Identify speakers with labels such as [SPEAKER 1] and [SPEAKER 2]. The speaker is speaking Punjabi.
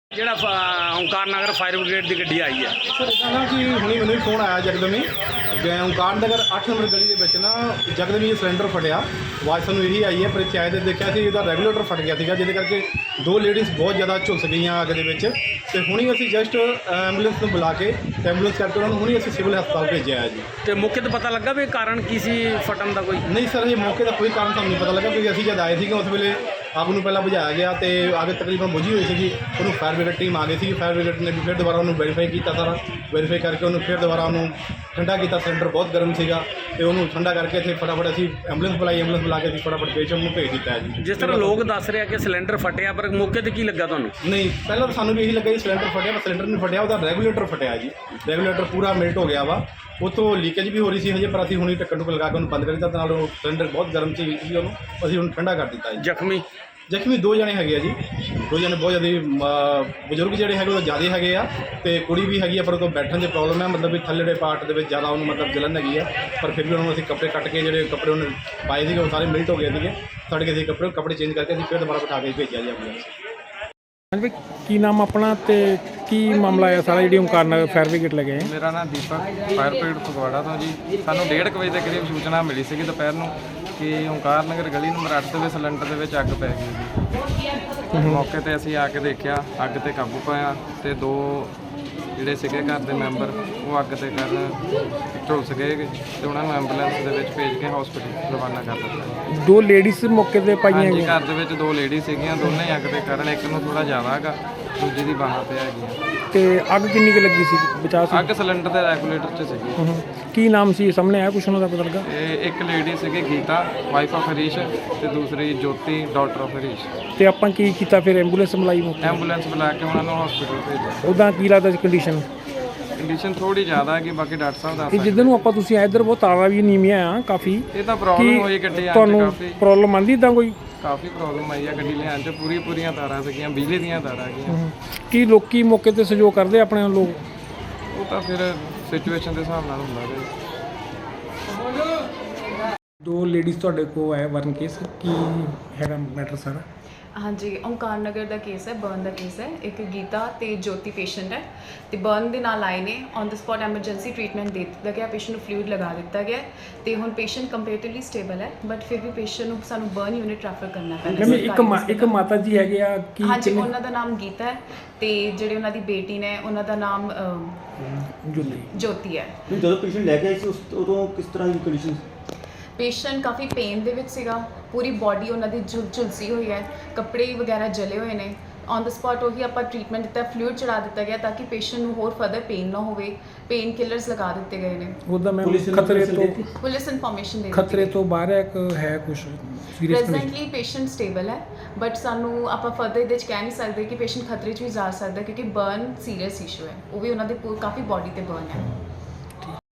[SPEAKER 1] ਜਿਹੜਾ ਓਂਕਾਰ ਨਗਰ ਫਾਇਰ ਬ੍ਰਿਗੇਡ ਦੀ ਗੱਡੀ ਆਈ ਹੈ
[SPEAKER 2] ਸਰ ਇੱਦਾਂ ਨਾ ਕਿ ਹੁਣੀ ਮੈਨੂੰ ਵੀ ਫੋਨ ਆਇਆ ਜਗਦਮੀ ਓਂਕਾਰ ਨਗਰ 8 ਨੰਬਰ ਗਲੀ ਦੇ ਵਿੱਚ ਨਾ ਜਗਦਮੀ ਸਿਲੰਡਰ ਫਟਿਆ। ਆਵਾਜ਼ ਸਾਨੂੰ ਇਹੀ ਆਈ ਹੈ, ਪਰ ਇੱਥੇ ਆਏ ਤੇ ਦੇਖਿਆ ਸੀ ਇਹਦਾ ਰੈਗੂਲੇਟਰ ਫਟ ਗਿਆ ਸੀਗਾ, ਜਿਹਦੇ ਕਰਕੇ ਦੋ ਲੇਡੀਜ਼ ਬਹੁਤ ਜ਼ਿਆਦਾ ਝੁਲਸ ਗਈਆਂ ਅੱਗ ਦੇ ਵਿੱਚ। ਤੇ ਹੁਣੀ ਅਸੀਂ ਜਸਟ ਐਂਬੂਲੈਂਸ ਨੂੰ ਬੁਲਾ ਕੇ ਐਂਬੂਲੈਂਸ ਕਰਕੇ ਉਹਨਾਂ ਨੂੰ ਹੁਣੀ ਅਸੀਂ ਸਿਵਲ ਹਸਪਤਾਲ ਭੇਜਿਆ ਹੈ ਜੀ।
[SPEAKER 1] ਤੇ ਮੌਕੇ ਤੇ ਪਤਾ ਲੱਗਾ ਵੀ ਕਾਰਨ ਕੀ ਸੀ ਫਟਣ ਦਾ? ਕੋਈ
[SPEAKER 2] ਨਹੀਂ ਸਰ, ਇਹ ਮੌਕੇ ਦਾ ਕੋਈ ਕਾਰਨ ਸਾਨੂੰ ਨਹੀਂ ਪਤਾ ਲੱਗਾ, ਕਿਉਂਕਿ ਅਸੀਂ ਜਦ ਆਏ ਸੀਗੇ ਉਸ ਵੇਲੇ ਅੱਗ ਨੂੰ ਪਹਿਲਾਂ ਬੁਝਾਇਆ ਗਿਆ ਤੇ ਅੱਗ ਤਕਰੀਬਨ ਬੁਝੀ ਹੋਈ ਸੀਗੀ। ਉਹਨੂੰ ਫਾਇਰ ਬ੍ਰਿਗੇਡ ਟੀਮ ਆ ਗਈ ਸੀ। ਫਾਇਰ ਬ੍ਰਿਗੇਡ ਨੇ ਵੀ ਫਿਰ ਦੁਬਾਰਾ ਉਹਨੂੰ ਵੈਰੀਫਾਈ ਕੀਤਾ, ਸਾਰਾ ਵੈਰੀਫਾਈ ਕਰਕੇ ਉਹਨੂੰ ਫਿਰ ਦੁਬਾਰਾ ਉਹਨੂੰ ਠੰਡਾ ਕੀਤਾ। ਸਿਲੰਡਰ ਬਹੁਤ ਗਰਮ ਸੀਗਾ ਤੇ ਉਹਨੂੰ ਠੰਡਾ ਕਰਕੇ ਇੱਥੇ ਫਟਾਫਟ ਅਸੀਂ ਐਂਬੂਲੈਂਸ ਬੁਲਾਈ। ਐਂਬੂਲੈਂਸ ਬੁਲਾ ਕੇ ਅਸੀਂ ਫਟਾਫਟ ਪੇਸ਼ੈਂਟ ਨੂੰ ਭੇਜ ਦਿੱਤਾ ਹੈ ਜੀ।
[SPEAKER 1] ਜਿਸ ਤਰ੍ਹਾਂ ਲੋਕ ਦੱਸ ਰਹੇ ਆ ਕਿ ਸਿਲੰਡਰ ਫਟਿਆ, ਪਰ ਮੌਕੇ ਤੇ ਕੀ ਲੱਗਾ ਤੁਹਾਨੂੰ?
[SPEAKER 2] ਨਹੀਂ, ਪਹਿਲਾਂ ਤਾਂ ਸਾਨੂੰ ਵੀ ਇਹੀ ਲੱਗਾ ਜੀ ਸਿਲੰਡਰ ਫਟਿਆ, ਪਰ ਸਿਲੰਡਰ ਨਹੀਂ ਫਟਿਆ, ਉਹਦਾ ਰੈਗੂਲੇਟਰ ਫਟਿਆ ਜੀ। ਰੈਗੂਲੇਟਰ ਪੂਰਾ ਮੈਲਟ ਹੋ ਗਿਆ ਵਾ, ਉੱਥੋਂ ਲੀਕੇਜ ਵੀ ਹੋ ਰਹੀ ਸੀ ਹਜੇ, ਪਰ ਅਸੀਂ ਹੁਣੀ ਢੱਕਣ ਨੂੰ ਲਗਾ ਕੇ ਉਹਨੂੰ ਬੰਦ ਕਰ ਦਿੱਤਾ। ਨਾਲ ਉਹ ਸਿਲੰਡਰ ਬਹੁਤ ਗਰਮ ਸੀ, ਉਹਨੂੰ ਅਸੀਂ ਹੁਣ ਠੰਡਾ ਕਰ ਦਿੱਤਾ ਜੀ। ਜ਼ਖਮੀ ਦੋ ਜਣੇ ਹੈਗੇ ਆ ਜੀ। ਦੋ ਜਣੇ ਬਹੁਤ ਜ਼ਿਆਦਾ ਬਜ਼ੁਰਗ ਜਿਹੜੇ ਹੈਗੇ ਉਹ ਜ਼ਿਆਦਾ ਹੈਗੇ ਆ, ਤੇ ਕੁੜੀ ਵੀ ਹੈਗੀ ਆ, ਪਰ ਉਹ ਤੋਂ ਬੈਠਣ ਦੀ ਪ੍ਰੋਬਲਮ ਹੈ, ਮਤਲਬ ਵੀ ਥੱਲੇੜੇ ਪਾਰਟ ਦੇ ਵਿੱਚ ਜ਼ਿਆਦਾ ਉਹਨੂੰ ਮਤਲਬ ਜਲਨ ਹੈਗੀ ਆ। ਪਰ ਫਿਰ ਵੀ ਉਹਨੂੰ ਅਸੀਂ ਕੱਪੜੇ ਕੱਟ ਕੇ, ਜਿਹੜੇ ਕੱਪੜੇ ਉਹਨੇ ਪਾਏ ਸੀਗੇ ਉਹ ਸਾਰੇ ਮਿਲਟ ਹੋ ਗਏ ਸੀਗੇ, ਸੜ ਗਏ ਸੀ ਕੱਪੜੇ ਚੇਂਜ ਕਰਕੇ ਅਸੀਂ ਫਿਰ ਦੁਬਾਰਾ ਬਿਠਾ ਕੇ ਭੇਜਿਆ ਜੀ ਐਂਬੂਲੈਂਸ।
[SPEAKER 3] ਹਾਂਜੀ, ਕੀ ਨਾਮ ਆਪਣਾ ਤੇ ਕੀ ਮਾਮਲਾ ਹੈ ਸਾਰਾ ਜਿਹੜੀ ਓਂਕਾਰ ਨਗਰ ਫਾਇਰ ਬ੍ਰਿਗੇਡ ਲੈ ਗਏ?
[SPEAKER 4] ਮੇਰਾ ਨਾਮ ਦੀਪਕ, ਫਾਇਰ ਬ੍ਰਿਗੇਡ ਫਗਵਾੜਾ ਤੋਂ ਜੀ। ਸਾਨੂੰ 1:30 ਵਜੇ ਦੇ ਕਰੀਬ ਸੂਚਨਾ ਮਿਲੀ ਸੀਗੀ ਦੁਪਹਿਰ ਨੂੰ ਕਿ ਓਂਕਾਰ ਨਗਰ ਗਲੀ ਨੰਬਰ 8 ਦੇ ਵਿੱਚ ਸਿਲੰਡਰ ਦੇ ਵਿੱਚ ਅੱਗ ਪੈ ਗਈ ਜੀ। ਮੌਕੇ ਤੇ ਅਸੀਂ ਆ ਕੇ ਦੇਖਿਆ, ਅੱਗ ਤੇ ਕਾਬੂ ਪਾਇਆ ਤੇ ਦੋ ਜਿਹੜੇ ਸੀਗੇ ਘਰ ਦੇ ਮੈਂਬਰ ਉਹ ਅੱਗ ਤੇ ਕਾਰਨ ਝੁਲਸ ਗਏ ਤੇ ਉਹਨਾਂ ਨੂੰ ਐਂਬੂਲੈਂਸ ਦੇ ਵਿੱਚ ਭੇਜ ਕੇ ਹਸਪੀਟਲ ਰਵਾਨਾ ਕਰ ਦਿੱਤਾ।
[SPEAKER 3] ਦੋ ਲੇਡੀਜ਼ ਮੌਕੇ ਤੇ ਪਾਈਆਂ
[SPEAKER 4] ਹਾਂਜੀ,
[SPEAKER 3] ਗਈਆਂ।
[SPEAKER 4] ਘਰ ਦੇ ਵਿੱਚ ਦੋ ਲੇਡੀ ਸੀਗੀਆਂ, ਦੋਨੇ ਹੀ ਅੱਗ ਦੇ ਕਾਰਨ, ਇੱਕ ਨੂੰ ਥੋੜਾ ਜ਼ਿਆਦਾ ਹੈਗਾ, ਦੂਜੀ ਦੀ ਬਾਹਾਂ ਤੇ ਹੈਗੀ।
[SPEAKER 3] ਤੇ ਅੱਗ ਕਿੰਨੀ ਕੁ ਲੱਗੀ ਸੀ? ਬਚਾ ਸੀ?
[SPEAKER 4] ਅੱਗ ਸਿਲੰਡਰ ਦੇ ਰੈਗੂਲੇਟਰ 'ਚ ਸੀਗੀ।
[SPEAKER 3] ਕੀ ਨਾਮ ਸੀ ਸਾਹਮਣੇ ਆਇਆ ਕੁਛ ਉਹਨਾਂ ਦਾ ਪਤਾ ਲੱਗਾ?
[SPEAKER 4] ਇਹ ਇੱਕ ਲੇਡੀ ਸੀਗੀ ਗੀਤਾ, ਵਾਈਫ ਆਫ ਹਰੀਸ਼, ਤੇ ਦੂਸਰੀ ਜੋਤੀ, ਡਾਟਰ ਆਫ ਹਰੀਸ਼।
[SPEAKER 3] ਤੇ ਆਪਾਂ ਕੀ ਕੀਤਾ ਫਿਰ? ਐਂਬੂਲੈਂਸ ਬੁਲਾਈ ਮੌਕੇ?
[SPEAKER 4] ਐਂਬੂਲੈਂਸ ਬੁਲਾ ਕੇ ਉਹਨਾਂ ਨੂੰ ਹਸਪੀਟਲ ਭੇਜਿਆ।
[SPEAKER 3] ਉੱਦਾਂ ਕੀ ਲੱਗਦਾ ਸੀ ਕੰਡੀਸ਼ਨ?
[SPEAKER 4] ਕੰਡੀਸ਼ਨ ਥੋੜੀ ਜ਼ਿਆਦਾ ਹੈ ਕਿ ਬਾਕੀ ਡਾਕਟਰ ਸਾਹਿਬ ਦੱਸ
[SPEAKER 3] ਇਹ
[SPEAKER 4] ਸਕਦੇ।
[SPEAKER 3] ਜਿੱਦਾਂ ਨੂੰ ਆਪਾਂ ਤੁਸੀਂ ਇੱਧਰ ਬਹੁਤ ਤਾਰਾ ਵੀ ਨੀਵੀਆਂ ਆ ਕਾਫੀ।
[SPEAKER 4] ਇਹ ਤਾਂ ਪ੍ਰੋਬਲਮ ਹੋਈ ਗੱਡੀ ਆਉਣ 'ਚ,
[SPEAKER 3] ਤੁਹਾਨੂੰ ਪ੍ਰੋਬਲਮ ਆਂਦੀ ਇੱਦਾਂ ਕੋਈ?
[SPEAKER 4] ਕਾਫੀ ਪ੍ਰੋਬਲਮ ਆਈ ਆ ਗੱਡੀ ਲਿਆਉਣ 'ਚ। ਪੂਰੀਆਂ ਤਾਰਾਂ ਸੀਗੀਆਂ, ਬਿਜਲੀ ਦੀਆਂ ਤਾਰਾਂ ਹੈਗੀਆਂ।
[SPEAKER 3] ਕੀ ਲੋਕੀ ਮੌਕੇ ਤੇ ਸਹਿਯੋਗ ਕਰਦੇ ਆਪਣੇ ਲੋਕ?
[SPEAKER 4] ਉਹ ਤਾਂ ਫਿਰ ਸਿਚੁਏਸ਼ਨ ਦੇ ਹਿਸਾਬ ਨਾਲ ਹੁੰਦਾ ਜੀ।
[SPEAKER 3] ਦੋ ਲੇਡੀਜ਼ ਤੁਹਾਡੇ ਕੋਲ ਆਏ ਵਰਨ ਕੇਸ, ਕੀ ਹੈਗਾ ਮੈਟਰ ਸਾਰਾ?
[SPEAKER 5] ਹਾਂਜੀ, ਓਂਕਾਰ ਨਗਰ ਦਾ ਕੇਸ ਹੈ, ਬਰਨ ਦਾ ਕੇਸ ਹੈ। ਇੱਕ ਗੀਤਾ ਤੇ ਜੋਤੀ ਪੇਸ਼ੈਂਟ ਹੈ ਤੇ ਬਰਨ ਦੇ ਨਾਲ ਆਏ ਨੇ। On the spot emergency treatment ਦੇ ਦਿੱਤਾ ਗਿਆ, ਪੇਸ਼ੈਂਟ ਨੂੰ ਫਲੂਇਡ ਲਗਾ ਦਿੱਤਾ ਗਿਆ ਤੇ ਹੁਣ ਪੇਸ਼ੈਂਟ ਕੰਪੈਰੇਟਿਵਲੀ ਸਟੇਬਲ ਹੈ, ਬਟ ਫਿਰ ਵੀ ਪੇਸ਼ੈਂਟ ਨੂੰ ਸਾਨੂੰ ਬਰਨ ਯੂਨਿਟ ਰੈਫਰ ਕਰਨਾ ਪੈਣਾ।
[SPEAKER 3] ਇੱਕ ਮਾਤਾ ਜੀ ਹੈਗੇ ਆ ਕੀ?
[SPEAKER 5] ਹਾਂਜੀ, ਉਹਨਾਂ ਦਾ ਨਾਮ ਗੀਤਾ ਹੈ ਤੇ ਜਿਹੜੇ ਉਹਨਾਂ ਦੀ ਬੇਟੀ ਨੇ ਉਹਨਾਂ ਦਾ ਨਾਮ ਜੋਤੀ ਹੈ।
[SPEAKER 6] ਜਦੋਂ ਪੇਸ਼ੈਂਟ ਲੈ ਕੇ ਆਏ ਸੀ ਉਦੋਂ ਕਿਸ ਤਰ੍ਹਾਂ ਦੀ ਕੰਡੀਸ਼ਨ?
[SPEAKER 5] ਪੇਸ਼ੈਂਟ ਕਾਫੀ ਪੇਨ ਦੇ ਵਿੱਚ ਸੀਗਾ, ਪੂਰੀ ਬਾਡੀ ਉਹਨਾਂ ਦੀ ਝੁਲਸੀ ਹੋਈ ਹੈ, ਕੱਪੜੇ ਵਗੈਰਾ ਜਲੇ ਹੋਏ ਨੇ। ਔਨ ਦ ਸਪੌਟ ਉਹੀ ਆਪਾਂ ਟ੍ਰੀਟਮੈਂਟ ਦਿੱਤਾ, ਫਲੂਇਡ ਚੜਾ ਦਿੱਤਾ ਗਿਆ ਤਾਂ ਕਿ ਪੇਸ਼ੈਂਟ ਨੂੰ ਹੋਰ ਫਰਦਰ ਪੇਨ ਨਾ ਹੋਵੇ। ਪੇਨ ਕਿਲਰਸ ਲਗਾ ਦਿੱਤੇ ਗਏ ਨੇ।
[SPEAKER 3] ਉਹਦਾ ਮੈਂ ਖਤਰੇ ਤੋਂ
[SPEAKER 5] ਪੁਲਿਸ ਇਨਫੋਰਮੇਸ਼ਨ ਦੇ
[SPEAKER 3] ਖਤਰੇ ਤੋਂ ਬਾਹਰ ਹੈ ਕਿ ਹੈ ਕੁਝ ਸੀਰੀਅਸ?
[SPEAKER 5] ਪ੍ਰੈਜ਼ੈਂਟਲੀ ਪੇਸ਼ੈਂਟ ਸਟੇਬਲ ਹੈ, ਬਟ ਸਾਨੂੰ ਆਪਾਂ ਫਰਦਰ ਇਹਦੇ 'ਚ ਕਹਿ ਨਹੀਂ ਸਕਦੇ ਕਿ ਪੇਸ਼ੈਂਟ ਖਤਰੇ 'ਚ ਵੀ ਜਾ ਸਕਦਾ, ਕਿਉਂਕਿ ਬਰਨ ਸੀਰੀਅਸ ਇਸ਼ੂ ਹੈ, ਉਹ ਵੀ ਉਹਨਾਂ ਦੇ ਕਾਫੀ ਬਾਡੀ ਤੇ ਬਰਨ ਹੈ।